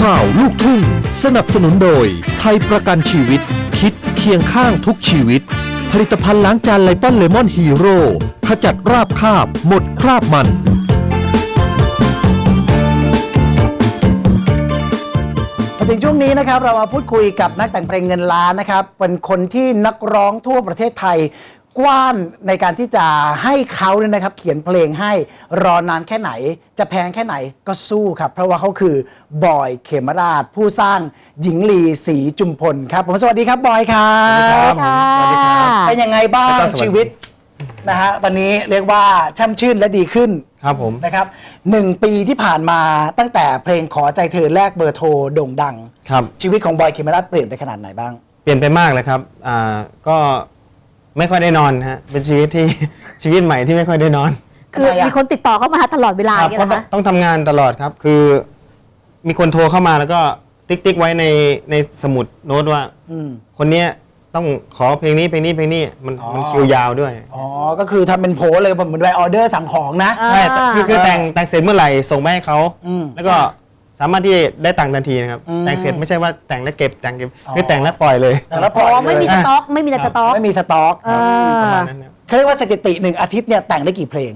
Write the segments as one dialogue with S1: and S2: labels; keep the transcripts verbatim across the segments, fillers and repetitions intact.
S1: ข่าวลูกทุ่งสนับสนุนโดยไทยประกันชีวิตคิดเคียงข้างทุกชีวิตผลิตภัณฑ์ล้างจานไลปอนเลมอนฮีโร่ขจัดราบคาบหมดคราบมัน
S2: ถึงช่วงนี้นะครับเรามาพูดคุยกับนักแต่งเพลงเงินล้านนะครับเป็นคนที่นักร้องทั่วประเทศไทยกว้านในการที่จะให้เขาเนี่ยนะครับเขียนเพลงให้รอนานแค่ไหนจะแพงแค่ไหนก็สู้ครับเพราะว่าเขาคือบอยเขมราชผู้สร้างหญิงลีศรีจุมพลครับผมสวัสดีครับบอยครับสวัสดีครับเป็นยังไงบ้างชีวิตนะฮะตอนนี้เรียกว่าช่ำชื่นและดีขึ้น
S3: ครับผม
S2: นะครับหนึ่งปีที่ผ่านมาตั้งแต่เพลงขอใจเธอแลกเบอร์โทรโด่งดัง
S3: ครับ
S2: ชีวิตของบอยเขมราชเปลี่ยนไปขนาดไหนบ้าง
S3: เปลี่ยนไปมากเลยครับอ่าก็ไม่ค่อยได้นอนฮะเป็นชีวิตที่ ชีวิตใหม่ที่ไม่ค่อยได้นอน
S4: คือมีคนติดต่อเข้ามาตลอดเวลาอย่างเงี้ยนะคะ
S3: ต้องทำงานตลอดครับคือมีคนโทรเข้ามาแล้วก็ติ๊กติ๊กไว้ในในสมุดโน้ตว่าคนเนี้ยต้องขอเพลงนี้เพลงนี้เพลงนี้มันมันคิวยาวด้วย
S2: อ๋อก็คือทำเป็นโพสเลยเหมือนไวออเดอร์สั่งของนะ
S3: ใช่คือคือแต่งแต่งเสร็จเมื่อไหร่ส่งไปให้เขาแล้วก็สามารถที่ได้ตังค์ทันทีนะครับแต่งเสร็จไม่ใช่ว่าแต่งแล้วเก็บแต่งเก็บคือแต่งแล้วปล่อยเลย
S2: แต่งแล้วปล่อย
S4: ไม่มีสต็อกไม่มีสต็อก
S2: ไม่มีสต็อกประมาณนั้นเขาเรียกว่าสถิติหนึ่งอาทิตย์เนี่ยแต่งได้กี่เพลง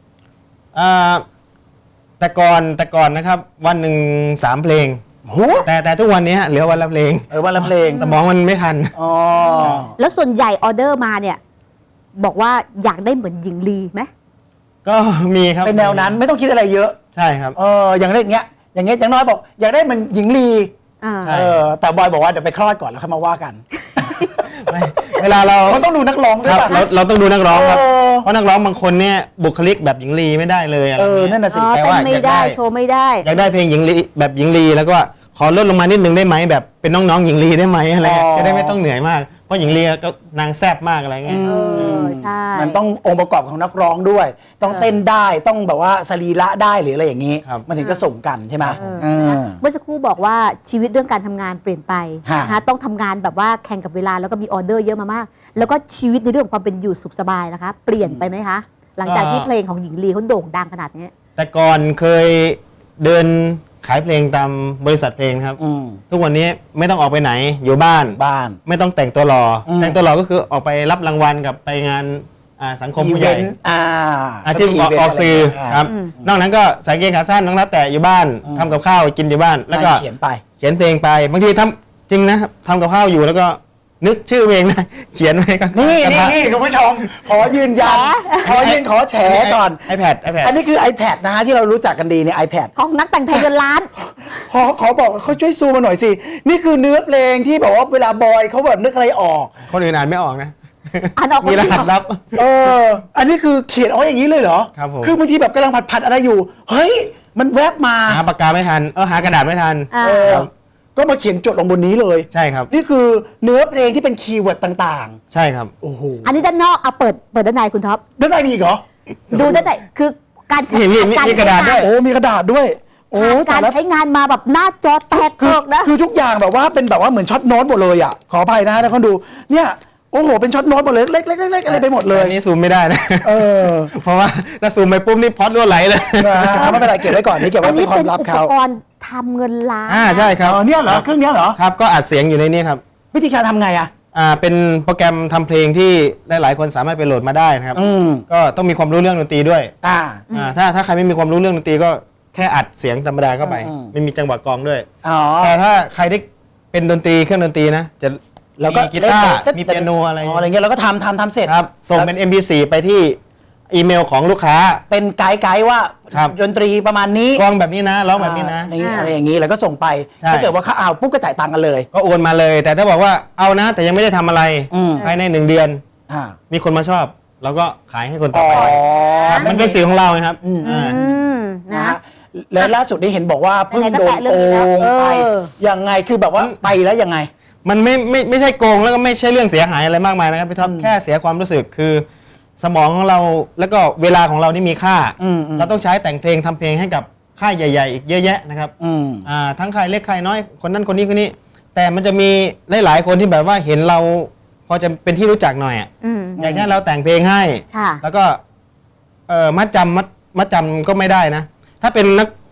S3: แต่ก่อนแต่ก่อนนะครับวันหนึ่งสามเพลงแต่แต่ทุกวันนี้เหลือวันละเพลง
S2: เออวันละเพลง
S3: สมองมันไม่ทัน
S2: อ๋อ
S4: แล้วส่วนใหญ่ออเดอร์มาเนี่ยบอกว่าอยากได้เหมือนหญิงลีไหม
S3: ก็มีครับ
S2: เป็นแนวนั้นไม่ต้องคิดอะไรเยอะ
S3: ใช่ครับ
S2: เอออย่างเรื่องเงี้ยอย่างเงี้ยอย่างน้อยบอกอยากได้เหมือนหญิงลีเออแต่บอยบอกว่าเดี๋ยวไปคลอดก่อนแล้วค่อยมาว่ากัน
S3: เวลาเรา
S2: เราต้องดูนักร้องด้วยป่ะ
S3: เราเราต้องดูนักร้องครับเพราะนักร้องบางคนเนี่ยบุคลิกแบบหญิงลีไม่ได้เลยอะไรเงี้ย
S2: เออนั่นน่ะสิ
S4: แต่ว่าไม่ได้โชว์ไม่ได้
S3: อยากได้เพลงหญิงลีแบบหญิงลีแล้วก็ขอลดลงมานิดนึงได้ไหมแบบเป็นน้องๆหญิงลีได้ไหมอะไรเงี้ยจะได้ไม่ต้องเหนื่อยมากเพราะหญิงลีก็นางแซ่บมากอะไรเงี้ย
S4: เออใช่
S2: มันต้ององค์ประกอบของนักร้องด้วยต้องเต้นได้ต้องแบบว่าสรีระได้หรืออะไรอย่างนี้มันถึงจะส่งกันใช่ไหม
S4: เมื่อสักครู่บอกว่าชีวิตเรื่องการทำงานเปลี่ยนไปนะต้องทำงานแบบว่าแข่งกับเวลาแล้วก็มีออเดอร์เยอะมามากแล้วก็ชีวิตในเรื่องความเป็นอยู่สุขสบายนะคะเปลี่ยนไปไหมคะหลังจากที่เพลงของหญิงลีเขาโด่งดังขนาดนี้
S3: แต่ก่อนเคยเดินขายเพลงตามบริษัทเพลงครับทุกวันนี้ไม่ต้องออกไปไหนอยู่บ้าน
S2: บ้าน
S3: ไม่ต้องแต่งตัวหล่อแต่งตัวหล่อก็คือออกไปรับรางวัลกับไปงานสังคมผู้ใหญ่ที่ออกสื่อครับนอกนั้นก็ใส่เกงขาสั้นน้องนัดแต่อยู่บ้านทำกับข้าวกินอยู่บ้านแล้วก็
S2: เขียนไป
S3: เขียนเพลงไปบางทีทำจริงนะครับทำกับข้าวอยู่แล้วก็นึกชื่อเพลงนะเขียนไว้ก็
S2: นี่นี่นี่คุณผู้ชมขอยืนยันขอยืนขอแฉก่อน
S3: iPad iPad
S2: อันนี้คือ iPad นะฮะที่เรารู้จักกันดีใน iPad
S4: ของนักแต่งเพลงเงินล้าน
S2: ขอขอบอกเขาช่วยซูมมาหน่อยสินี่คือเนื้อเพลงที่บอกว่าเวลาบอยเขาแบบนึกอะไรออก
S3: คนอื่นอ่านไม่ออกนะ
S4: อ่านออก
S3: มีรหัสลับ
S2: เอออันนี้คือเขียนเอาอย่างนี้เลยเหรอ
S3: ครับผม
S2: คือบางทีแบบกำลังผัดผัดอะไรอยู่เฮ้ยมันแวบมา
S3: หาปากกาไม่ทันเออหากระดาษไม่ทัน
S2: เออก็มาเขียนจดลงบนนี้เลย
S3: ใช่ครับ
S2: นี่คือเนื้อเพลงที่เป็นคีย์เวิร์ดต่าง
S3: ๆใช่ครับ
S2: โอ้โห
S4: อันนี้ด้านนอกเอาเปิดเปิดด้านในคุณท็อป
S2: ด้านในมีอีกเหรอ
S4: ดูด้านในคือการใช้
S3: มีกระดาษด้วย
S2: โอ้มีกระดาษด้วยโอ้
S4: การใช้งานมาแบบหน้าจอแตกเกิกนะ
S2: คือทุกอย่างแบบว่าเป็นแบบว่าเหมือนช็อตโน้ตหมดเลยอ่ะขออภัยนะฮะท่านคนดูเนี่ยโอ้โหเป็นช็อตโน้ตหมดเลยเล็กๆๆอะไรไปหมดเลย
S3: อันนี้ซูมไม่ได้นะ
S2: เออ
S3: เพราะว่าถ้าซูมไปปุ๊บนี่พอดรั่วไหลเลย
S2: ไม่เป็นไรเก็บไว้ก่อนนี่เก็บไว้เป็นความลับเขา
S4: อุปกรณ์ทำเงินล้าน
S3: อ่าใช่ครับ
S2: เนี่ยเหรอเครื่องนี้เหรอ
S3: ครับก็อัดเสียงอยู่ในนี้ครับ
S2: วิธีการทำไงอ่ะ
S3: อ่าเป็นโปรแกรมทำเพลงที่หลายๆคนสามารถไปโหลดมาได้นะครับก็ต้องมีความรู้เรื่องดนตรีด้วย
S2: อ่า
S3: ถ้าถ้าใครไม่มีความรู้เรื่องดนตรีก็แค่อัดเสียงธรรมดาเข้าไปไม่มีจังหวะกลองด้วยแต่ถ้าใครที่เป็นดนตรีเครื่องดนตรีนะจะ
S2: แล้วก็
S3: กีตาร์มีเปียโนอะไร
S2: อะไรเงี้ยเราก็ทำทำทำเสร็จ
S3: ครับส่งเป็น เอ็ม พี โฟร์ ไปที่อีเมลของลูกค้า
S2: เป็นไกด์ไกด์ว่าดนตรีประมาณนี้
S3: กลองแบบนี้นะร้องแบบนี้นะ
S2: อะไรอย่างนี้แล้วก็ส่งไปถ้าเกิดว่าเขาเอาปุ๊บก็จ่ายตังค์กันเลย
S3: ก็โอนมาเลยแต่ถ้าบอกว่าเอานะแต่ยังไม่ได้ทำอะไรภายในหนึ่งเดือนมีคนมาชอบเราก็ขายให้คนต่อไปมันเป็นสื่อของเราครับ
S2: นะแล้วล่าสุดนี้เห็นบอกว่าเพิ่งโดนโกงไปยังไงคือแบบว่าไปแล้วยังไง
S3: มันไม่ไม่ไม่ใช่โกงแล้วก็ไม่ใช่เรื่องเสียหายอะไรมากมายนะครับพี่ท็อปแค่เสียความรู้สึกคือสมองของเราแล้วก็เวลาของเรานี่มีค่าเราต้องใช้แต่งเพลงทำเพลงให้กับค่ายใหญ่ๆอีกเยอะแยะนะครับอ่าทั้งค่ายเล็กค่ายน้อยคนนั้นคนนี้คนนี้แต่มันจะมีหลายๆคนที่แบบว่าเห็นเราพอจะเป็นที่รู้จักหน่อยอ่ะอย่างเช่นเราแต่งเพลงให้แล้วก็เออมัดจำมัดมัดจำก็ไม่ได้นะถ้าเป็นนัก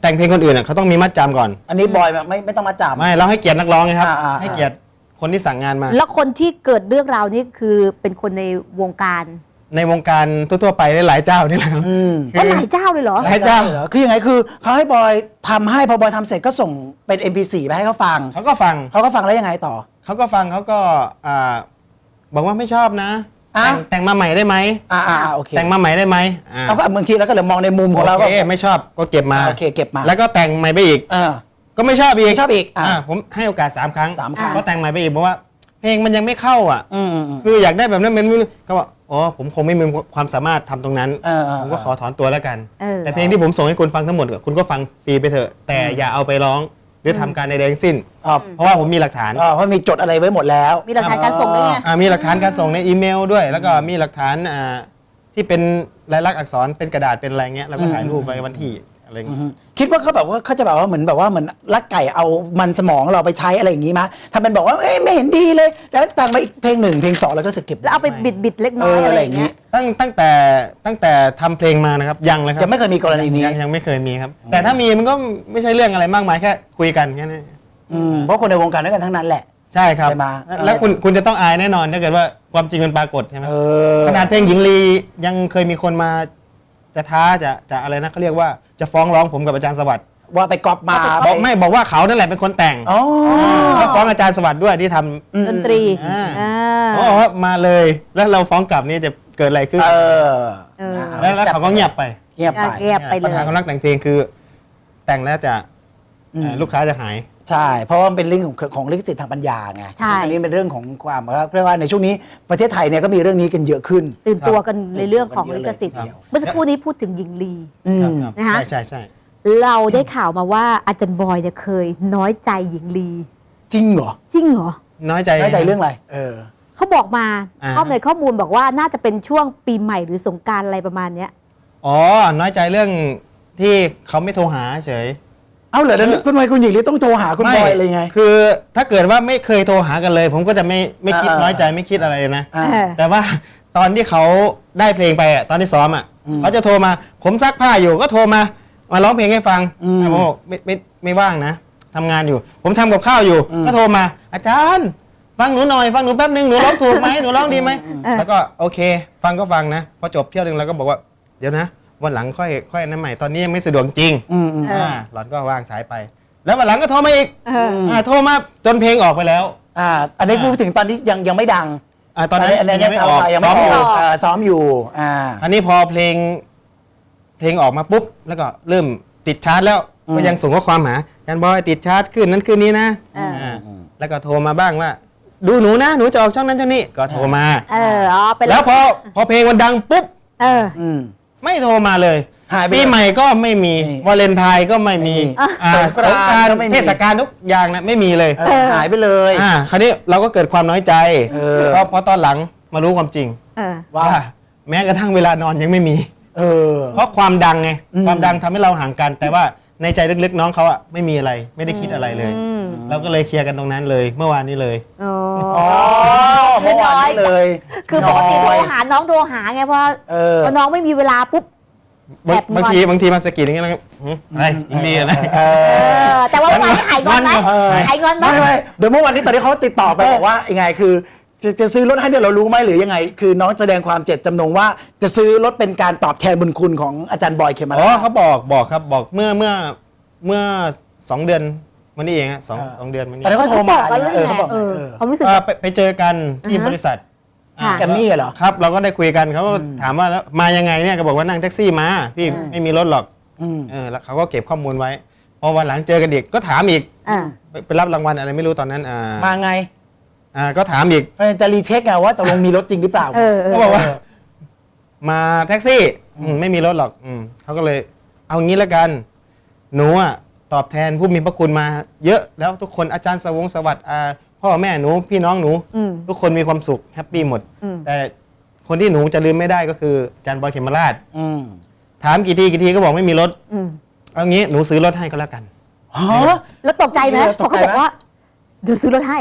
S3: แต่งเพลงคนอื่นอ่ะเขาต้องมีมัดจำก่อน
S2: อันนี้บอยแบบไม่ไม่ต้องมาจับ
S3: ไม่เราให้เกียรตินักร้องไงครับ
S2: อ่าอ่า
S3: ให้เกียรติคนที่สั่งงานมา
S4: แล้วคนที่เกิดเรื่องราวนี้คือเป็นคนในวงการ
S3: ในวงการทั่วๆไปหลายๆเจ้านี่แหละครับ
S2: อืม
S4: ก็หลายเจ้าเลยเหรอ
S3: หลายเจ้า
S2: เหรอคือยังไงคือเขาให้บอยทำให้พอบอยทำเสร็จก็ส่งเป็น เอ็ม พี โฟร์ ไปให้เขาฟัง
S3: เขาก็ฟัง
S2: เขาก็ฟังแล้วยังไงต่อ
S3: เขาก็ฟังเขาก็อ่าบอกว่าไม่ชอบนะ
S2: อ้าว
S3: แต่งแต่งมาใหม่ได้ไหม
S2: อ่าอ่าอ่าโอเค
S3: แต่งมาใหม่ได้ไหมอ่า
S2: เราก็บางทีเราก็เลยมองในมุมของเรา
S3: โอ
S2: ก็
S3: เคไม่ชอบก็เก็บมา
S2: โอเคเก็บมา
S3: แล้วก็แต่งใหม่ไปอีก
S2: เออ
S3: ก็ไม่ชอบอีก
S2: ไม่ชอบอีกอ่ะ
S3: อ่าผมให้โอกาสสามครั้ง
S2: สามครั้ง
S3: ก็แต่งใหม่ไปอีกบอกว่า เพลงมันยังไม่เข้าอ่ะ
S2: อืมอืมอืม
S3: คืออยากได้แบบนั้นเป็นก็บอกอ๋อผมคงไม่มีความสามารถทำตรงนั้น
S2: เออเออ
S3: ผมก็ขอถอนตัวแล้วกัน
S4: เออ
S3: แต่เพลงที่ผมส่งให้คุณฟังทั้งหมดอะคุณก็ฟังฟรีไปเถอะ แต่อย่าเอาไปร้องหรือทำการใดๆทั้งสิ้น
S2: อ๋อ
S3: เพราะว่าผมมีหลักฐาน
S2: อ๋อเพราะมีจดอะไรไว้หมดแล้ว
S4: มีหลักฐานการส่งด้วยไง
S3: อ่ามีหลักฐานการส่งในอีเมลด้วย แล้วก็มีหลักฐานอ่าที่เป็นลายลักษณ์อักษรเป็นกระดาษเป็นอะไรเงี้ยเราก็ถ่ายรูปไว้วันที่อะไรเงี้ย
S2: คิดว่าเขาแบบว่าเขาจะแบบว่าเหมือนแบบว่าเหมือนลักไก่เอามันสมองเราไปใช้อะไรอย่างนี้มั้ยทำเป็นบอกว่าเอ้ยไม่เห็นดีเลย แล้วตั้งมาอีกเพลงหนึ่งเพลงสองแล้วก็สึกเก็บ
S4: แล้วเอาไปบิดบิดๆเล็กน้อย
S2: เออ
S4: อะ
S2: อะไร ไร
S4: อ
S2: อย่
S4: า
S2: ย่าง ง
S4: เงี้
S2: นี้
S4: ย
S3: ตั้งตั้งแต่ตั้งแต่ทำเพลงมานะครับยังเลยครับ
S2: จะไม่เคยมีกรณีนี้
S3: ยังยังไม่เคยมีครับ แต่ถ้ามีมันก็ไม่ใช่เรื่องอะไรมากมายแค่คุยกันแค่นั้น
S2: อืมเพราะคนในวงการด้วยกันทั้งนั้นแหละ
S3: ใช่ครับ
S2: ใช่ไหม
S3: แล้วคุณคุณจะต้องอายแน่นอนถ้าเกิดว่าความจริงมันปรากฏใช่ไหม
S2: เออ
S3: ขนาดเพลงหญิงลียังเคยมีคนมาจะท้าจะจะอะไรนะเขาเรียกว่าจะฟ้องร้องผมกับอาจารย์สวัสดิ์
S2: ว่าไปก๊อปมา
S3: บอกไม่บอกว่าเขานั่นแหละเป็นคนแต่ง
S2: อ๋อ
S3: แล้วฟ้องอาจารย์สวัสดิ์ด้วยที่ท
S4: ดนตรี
S3: อ่า
S4: อ่า
S3: ำอ๋อมาเลย แล้วเราฟ้องกลับนี่จะเกิดอะไรขึ้น
S2: เออ
S4: เออ
S3: แล้วแล้วเขาก็เงียบไป
S2: เงียบไป
S4: เงียบไปเล
S3: ปัญ
S4: ย
S3: หาของนักแต่งเพลงคือ แต่งแล้วจะ
S2: อืม
S3: เอ่อลูกค้าจะหาย
S2: ใช่ เพราะว่ามันเป็นเรื่องของของลิขสิทธิ์ทางปัญญาไง
S4: ใช่
S2: อันนี้เป็นเรื่องของความเรียกว่าในช่วงนี้ประเทศไทยเนี่ยก็มีเรื่องนี้กันเยอะขึ้น
S4: ตื่นตัวกันในเรื่องของลิขสิทธิ์
S2: ครับ
S4: เมื่อสักครู่นี้พูดถึงหญิงลี
S2: อืม
S3: ครับ
S4: นะคะ
S3: ใช่ใช่ใช่
S4: เราได้ข่าวมาว่าอาจารย์บอยเนี่ยเคยน้อยใจหญิงลี
S2: จริงเหรอ
S4: จริงเหรอ
S3: น้อยใจ
S2: น้อยใจเรื่องอะไร เออ
S4: เขาบอกมา
S3: อ่า
S4: ข้อในข้อมูลบอกว่าน่าจะเป็นช่วงปีใหม่หรือสงกรารอะไรประมาณเนี้ย
S3: อ๋อ น้อยใจเรื่องที่เขาไม่โทรหาเฉย
S2: เอาเหรอแล้วคุณไมค์คุณหญิงลีต้องโทรหาคุณบอยอะไรไง
S3: คือถ้าเกิดว่าไม่เคยโทรหากันเลย ผมก็จะไม่ไม่คิด
S2: อ่า
S3: น้อยใจไม่คิดอะไรเลยนะ
S2: อ่า
S4: เออ
S3: แต่ว่าตอนที่เขาได้เพลงไปอ่ะตอนที่ซ้อมอ่ะ
S2: อืม
S3: เขาจะโทรมา ผมซักผ้าอยู่ก็โทรมามาร้องเพลงให้ฟัง
S2: อืม
S3: ผมบอกไม่ไม่ไม่ว่างนะทำงานอยู่ ผมทำกับข้าวอยู่
S2: อืม
S3: ก็โทรมา อาจารย์ ฟังหนูหน่อยฟังหนูแป๊บนึงหนูร้องถูกไหมหนูร้องดีไหม
S4: เออ
S3: แล้วก็โอเค ฟังก็ฟังนะพอจบเที่ยวหนึงเราก็บอกว่าเดี๋ยวนะ วันหลังค่อยค่อยอันนั้นใหม่ตอนนี้ยังไม่สะดวกจริง
S2: อืมอืม
S4: เอออ่
S3: อ่าหลอนก็วางสายไป แล้ววันหลังก็โทรมาอีก
S4: เออ
S3: อ่าโทรมาจนเพลงออกไปแล้ว
S2: อ่า อันนี้พูดถึงตอนที่ยังยังไม่ดัง
S3: อ่าตอนนั้น
S2: อันนี้
S3: ยังไม่ออก
S2: ยัง
S3: ซ้
S2: ไม่
S3: อม
S2: อ
S3: อยู่
S2: อกอ่าซ้อมอยู่ อ่า
S3: อันนี้พอเพลง เพลงออกมาปุ๊บ แล้วก็เริ่มติดชาร์จแล้ว
S2: อืม
S3: ก็ยังส่งข้อความหาอาจารย์บอยติดชาร์จขึ้นนั้นขึ้นนี้นะ
S4: อ่า
S3: อ่าแล้วก็โทรมาบ้างว่า ดูหนูนะหนูจะออกช่องนั้นช่องนี้ก็โทรมา
S4: เอออ๋อเป็น
S3: แล้วพอพอเพลงมันดังปุ๊บ
S4: เออ
S2: อืม
S3: ไม่โทรมาเลย
S2: หายไป
S3: ปีใหม่ก็ไม่มี
S2: นี่
S3: วาเลนไทน์ก็ไม่มี
S2: ไม่มี
S3: อ่า
S2: ส
S3: ส
S2: ง
S3: ง
S2: ก
S3: ก
S2: ราร
S3: าน
S2: ก็
S3: ต์
S2: ไม่มี
S3: เทศกาลทุกอย่างนะไม่มีเลย
S2: เออหายไปเลย
S3: อ่าคราวนี้เราก็เกิดความน้อยใจ
S2: เออ
S3: เพราะเพราะตอนหลังมารู้ความจริง
S4: เออ
S2: ว่า
S3: ว่าแม้กระทั่งเวลานอนยังไม่มี
S2: เออ
S3: เพราะความดังไง
S2: อืม
S3: ความดังทำให้เราห่างกัน แต่ว่าในใจลึกๆน้องเขาอะไม่มีอะไร ไม่ได้คิดอะไรเลย
S4: อืม
S3: เราก็เลยเคลียร์กันตรงนั้นเลย เมื่อวานนี้เลย
S4: อ๋อ
S2: อ๋อเมื่อวานนี้เลย
S4: คือปกติโทร
S2: น้อย
S4: หาน้องโทรหาไงเพราะ
S2: เออ
S4: พอน้องไม่มีเวลาปุ๊บ
S3: บาง
S4: แอบงอน
S3: บางทีบางทีมาสะกิดอย่างเงี้ยแล้วก็หืมอะไรยิงดีนะ
S2: เอ
S4: เอ
S2: อ
S4: อ แต่ว่าวันนี้หายงอนไหม
S2: เออ
S4: หายงอนไหม
S2: ไม่ไม่เดี๋ยวเมื่อวันนี้ตอนที่เขาติดต่อไปบอกว่ายังไงคือจะจะซื้อรถให้เนี่ยเรารู้ไหมหรือยังไง คือน้องแสดงความเจตจำนงว่าจะซื้อรถเป็นการตอบแทนบุญคุณของอาจารย์บอยเคมา
S3: อ๋อ
S2: รา
S3: เขาบอกบอกครับบอกเมื่อเมื่อเมื่อสองเดือนวันนี้เองฮะสอง
S2: เออ
S3: สองเดือนวันนี้
S2: ตอนนั้นเขาโทร
S4: บ
S2: มา
S4: อกกันเรื่อง
S2: เออ
S4: ไง
S2: เขาบอก
S4: เออ
S2: เออ
S4: ความรู้สึก
S3: เอ่อไปไปเจอกันที่
S4: อ่าฮะ
S3: บริษัท
S4: ค่ะ
S2: แกมมี่เหรอ
S3: ครับเราก็ได้คุยกันเขาก็ถามว่าแล้วมายังไงเนี่ยก็บอกว่านั่งแท็กซี่มาพี่
S2: อืม
S3: ไม่มีรถหรอก
S2: อืม
S3: เออแล้วเขาก็เก็บข้อมูลไว้พอวันหลังเจอกันอีกก็ถามอีก
S4: อ่า
S3: ไปไปรับรางวัลอะไรไม่รู้ตอนนั้นอ่า
S2: มาไง
S3: อ่าก็ถามอีก
S2: จะรีเช็คไงว่าตกลงมีรถจริงหรือเปล่า
S4: เออเออ
S3: เขาบอกว่า มาแท็กซี่อืมไม่มีรถหรอกอืมเขาก็เลย เอางี้แล้วกัน หนูอ่ะตอบแทนผู้มีพระคุณมา เยอะแล้วทุกคนอาจารย์สวงสวัสดิ์อ่าพ่อแม่หนูพี่น้องหนู
S4: อืม
S3: ทุกคนมีความสุขแฮปปี้หมด
S4: อืม
S3: แต่คนที่หนูจะลืมไม่ได้ก็คืออาจารย์บอยเขมราช
S2: อืม
S3: ถามกี่ทีกี่ทีก็บอกไม่มีรถ
S4: อืม
S3: เอางี้หนูซื้อรถให้ก็แล้วกัน
S2: ฮะ
S4: แล้วตกใจไหม
S2: เออ
S4: พ
S2: ต
S4: อก
S2: ใจ
S4: เขา
S2: ไหม
S4: บอกว่าเดี๋ยวซื้อรถให้อ่ะ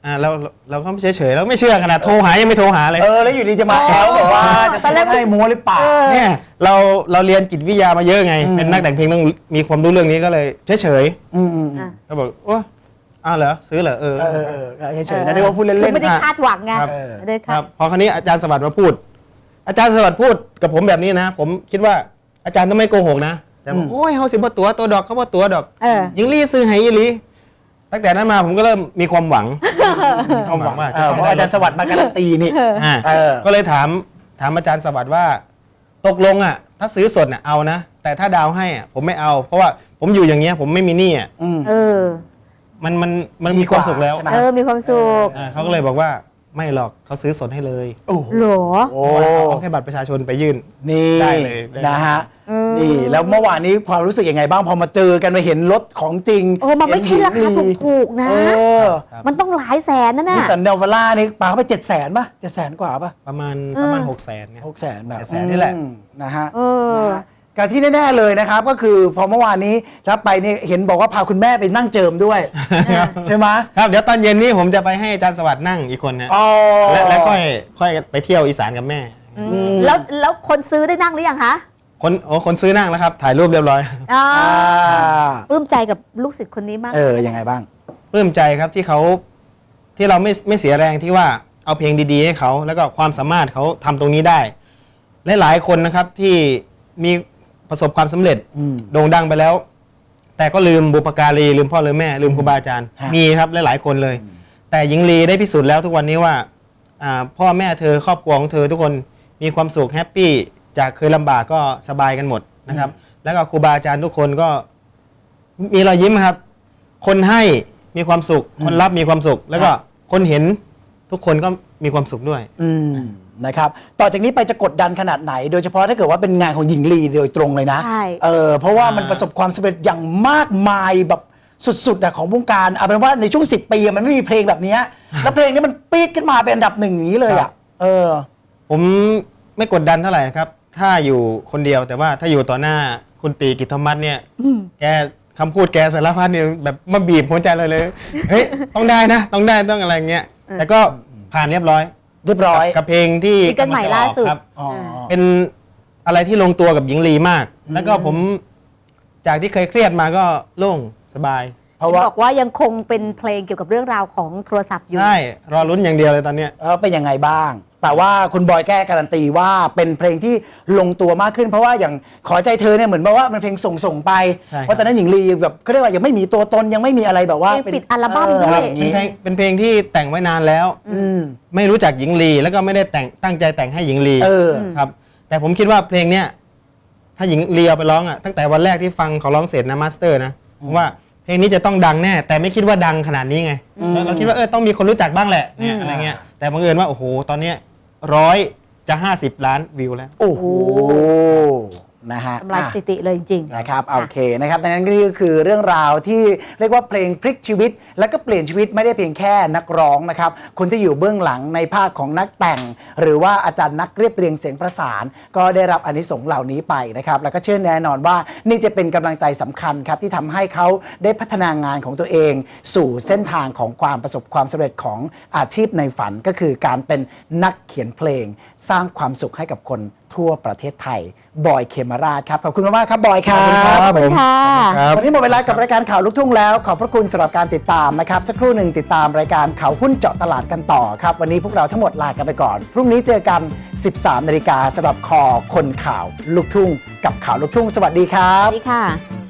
S3: อ่าเราเราก็เฉยเฉยๆเราไม่เชื่อขนาดโทรหายังไม่โทรหาเลย
S2: เออแล้วอยู่ดีจะมาแอลบอกว่าจะ
S4: ตอนแร
S2: ซื้
S4: ก
S2: อให้มัวหรือเปล่า
S4: เออ
S3: เนี่ยเราเราเรียนจิตวิทยามาเยอะไง
S2: อืม
S3: เป็นนักแต่งเพลงต้องมีความรู้เรื่องนี้ก็เลยเฉยเฉย
S2: อืมอืม
S4: อ่ะ
S3: ๆก็บอกโอ้อ้าวเหรอซื้อเหรอเออ
S2: เออเออเออเฉยๆนะเรียกว่าพูดเล่
S4: คือน ไม่ได้
S3: อ่ะ
S4: คาดหวังไง
S3: ครับ
S4: ไม่ได้
S3: ค
S4: คา
S3: รั
S4: ด
S3: บพอคราวนี้อาจารย์สวัสดิ์มาพูด อาจารย์สวัสดิ์พูดกับผมแบบนี้นะ ผมคิดว่าอาจารย์ต้องไม่โกหกนะแต่บอกโอ้ยเขาสิบ่ตัวตัวดอกเขาบ่ตัวดอก
S4: เออ
S3: ยิงลี่ซื้อให้ยิงลี่ตั้งแต่นั้นมาผมก็เริ่มมีความหวังมีความหวังว่า
S2: เอ
S3: จะ
S2: อ
S3: ต้อ
S2: เพ
S3: ง
S2: ราะ
S3: ได้
S2: อาจารย์สวัสดิ์มาการันตีนี่
S3: อ่า
S2: เออ
S3: ก็เลยถามถามอาจารย์สวัสดิ์ว่า ตกลงอ่ะ ถ้าซื้อสดน่ะเอานะ แต่ถ้าดาวให้อ่ะผมไม่เอา เพราะว่าผมอยู่อย่างเงี้ยผมไม่มีหนี้อ่ะ
S2: อืม
S4: เออ
S3: มันมันมัน
S2: ดี
S3: มี
S2: ก
S3: ค
S2: ว่า
S3: วามสุขแล้ว
S2: ใช่ไหม
S4: เออ มีความสุข
S3: อ่าเขาก็เลยบอกว่าไม่หรอกเขาซื้อสดให้เลย
S2: โอ้โห
S4: หรอ
S2: โอ้
S3: เอาแค่บัตรประชาชนไปยื่น
S2: นี่
S3: ได้เลยได้เลย
S2: นะฮะ
S4: เออ
S2: นี่แล้วเมื่อวานนี้ความรู้สึกยังไงบ้างพอมาเจอกันมาเห็นรถของจริง
S4: โอ้มันไม่ใช่ราคาถูกๆนะ
S2: เออ
S4: มันต้องหลายแสนนะ
S2: นิ
S4: น่ะ
S2: สสันเดลวาร่านี่ปาเข้าไปเจ็ดแสนป่ะเจ็ดแสนกว่าป่ะ
S3: ประมาณ
S4: เออ
S3: ประมาณหกแสนเนี่ย
S2: หกแสนแบบ
S3: เจ็ดแสนนี่แหละ
S2: อืมนะฮะ
S4: เออ
S2: นะฮะการที่แน่ๆเลยนะครับ ก็คือพอเมื่อวานนี้รับไปนี่เห็นบอกว่าพาคุณแม่ไปนั่งเจิมด้วย ใช่ไหม
S3: ครับเดี๋ยวตอนเย็นนี้ผมจะไปให้อาจารย์สวัสดิ์นั่งอีกคนนะ
S2: อ๋อ
S3: และแล้วค่อยค่อยไปเที่ยวอีสานกับแม่
S2: ม
S4: แล้วแล้วคนซื้อได้นั่งหรือยังคะ
S3: คนโอ้คนซื้อนั่งแล้วครับ ถ่ายรูปเรียบร้อย
S4: อ่า
S2: อ่า
S4: ปลื้มใจกับลูกศิษย์คนนี้มาก
S2: เออยังไงบ้าง
S3: ปลื้มใจครับที่เขาที่เราไม่ไม่เสียแรงที่ว่าเอาเพลงดีๆให้เขาแล้วก็ความสามารถเขาทำตรงนี้ได้และหลายคนนะครับที่มีประสบความสำเร็จ
S2: อืม
S3: โด่งดังไปแล้ว แต่ก็ลืมบุปการีลืมพ่อลืมแม่ ลืมครูบาอาจารย์
S2: ฮะ
S3: มีครับหลายๆคนเลย แต่หญิงลีได้พิสูจน์แล้วทุกวันนี้ว่าอ่าพ่อแม่เธอครอบครัวของเธอทุกคนมีความสุขแฮปปี้จากเคยลำบากก็สบายกันหมดนะครับ แล้วก็ครูบาอาจารย์ทุกคนก็มีรอยยิ้มครับ คนให้มีความสุข คนรับมีความสุข แล้วก็คนเห็นทุกคนก็มีความสุขด้วย
S2: อืมนะครับต่อจากนี้ไปจะกดดันขนาดไหน โดยเฉพาะถ้าเกิดว่าเป็นงานของหญิงลีโดยตรงเลยนะ
S4: ใช่
S2: เออเพราะว่ามัน
S3: อ่า
S2: ประสบความสำเร็จอย่างมากมายแบบสุดๆอะของวงการเอาเป็นว่าในช่วงสิบปีอะมันไม่มีเพลงแบบเนี้ยแล้วเพลงนี้มันปี๊ดขึ้นมาเป็นอันดับหนึ่งอย่างนี้เลยอะเออ
S3: ผมไม่กดดันเท่าไหร่ครับ ถ้าอยู่คนเดียวแต่ว่าถ้าอยู่ต่อหน้าคุณตีกิตธรรมัสเนี่ย
S4: อืม
S3: แกคำพูดแกสารพัดเนี่ยแบบมาบีบหัวใจเลยเลย เฮ้ย ต้องได้นะ ต้องได้ต้องอะไรเงี้ย
S4: เออ
S3: แต่ก็ผ่านเรียบร้อย
S2: เรียบร้อย
S3: กับกับเพลงที่
S4: ซิงเกิลใหม่ล่าสุด
S3: ครับ
S2: อ๋อ
S3: เป็นอะไรที่ลงตัวกับหญิงลีมาก แล้วก็ผมจากที่เคยเครียดมาก็โล่งสบาย
S2: เพราะว่า
S4: บอกว่ายังคงเป็นเพลงเกี่ยวกับเรื่องราวของโทรศัพท์อยู่
S3: ใช่ รอลุ้นอย่างเดียวเลยตอนเนี้ย
S2: เออเป็นยังไงบ้าง แต่ว่าคุณบอยแก้การันตีว่าเป็นเพลงที่ลงตัวมากขึ้น เพราะว่าอย่างขอใจเธอเนี่ยเหมือนแบบว่ามันเพลงส่งส่งๆไป
S3: ใช่ครับ
S2: เพราะตอนนั้นหญิงลีแบบเขาเรียกว่ายังไม่มีตัวตนยังไม่มีอะไรแบบว่า
S4: เพลงปิดอัลบั้ม
S2: เ
S4: ด้วย
S2: อะไรอย่าง
S3: เป็น
S2: งี้
S3: เพลงเป็นเพลงที่แต่งไว้นานแล้ว
S2: อืม
S3: ไม่รู้จักหญิงลี แล้วก็ไม่ได้แต่งตั้งใจแต่งให้หญิงลี
S2: เออ
S3: ครับ แต่ผมคิดว่าเพลงเนี้ยถ้าหญิงลีเอาไปร้องอ่ะตั้งแต่วันแรกที่ฟังเขาร้องเสร็จนะมาสเตอร์นะผมว่าเพลงนี้จะต้องดังแน่ แต่ไม่คิดว่าดังขนาดนี้ไงเราเราคิดว่าเออต้องมีคนรู้จักบ้างแหละเนี่ยอะไรเงี้ยแต่บังเอิญว่าโอ้โหตอนเนี้ยร้อยจะห้าสิบล้านวิวแล้ว
S2: โอ้โหนะฮะ
S4: ทำลาย
S2: อ่ะ
S4: สถิติเลยจริงๆ
S2: นะครับโอเคนะครับดังนั้นนี่ก็คือเรื่องราวที่เรียกว่าเพลงพลิกชีวิต แล้วก็เปลี่ยนชีวิตไม่ได้เพียงแค่นักร้องนะครับคนที่อยู่เบื้องหลังในภาคของนักแต่ง หรือว่าอาจารย์นักเรียบเรียงเสียงประสาน ก็ได้รับอานิสงส์เหล่านี้ไปนะครับแล้วก็เชื่อแน่นอนว่านี่จะเป็นกำลังใจสำคัญครับที่ทำให้เขาได้พัฒนางานของตัวเอง สู่เส้นทางของความประสบความสำเร็จของอาชีพในฝันก็คือการเป็นนักเขียนเพลง สร้างความสุขให้กับคนทั่วประเทศไทยบอยเคมราชครับขอบคุณมากๆครับบอยครับ
S4: ขอบคุณค่ะ
S3: ครับ
S2: วันนี้หมดเวลากับรายการข่าวลูกทุ่งแล้ว ขอบพระคุณสำหรับการติดตามนะครับ สักครู่หนึ่งติดตามรายการข่าวหุ้นเจาะตลาดกันต่อครับ วันนี้พวกเราทั้งหมดลากันไปก่อน พรุ่งนี้เจอกัน สิบสามนาฬิกาสำหรับคอคนข่าวลูกทุ่ง กับข่าวลูกทุ่งสวัสดีครั
S4: ส
S2: บ
S4: วัสดีค่ะ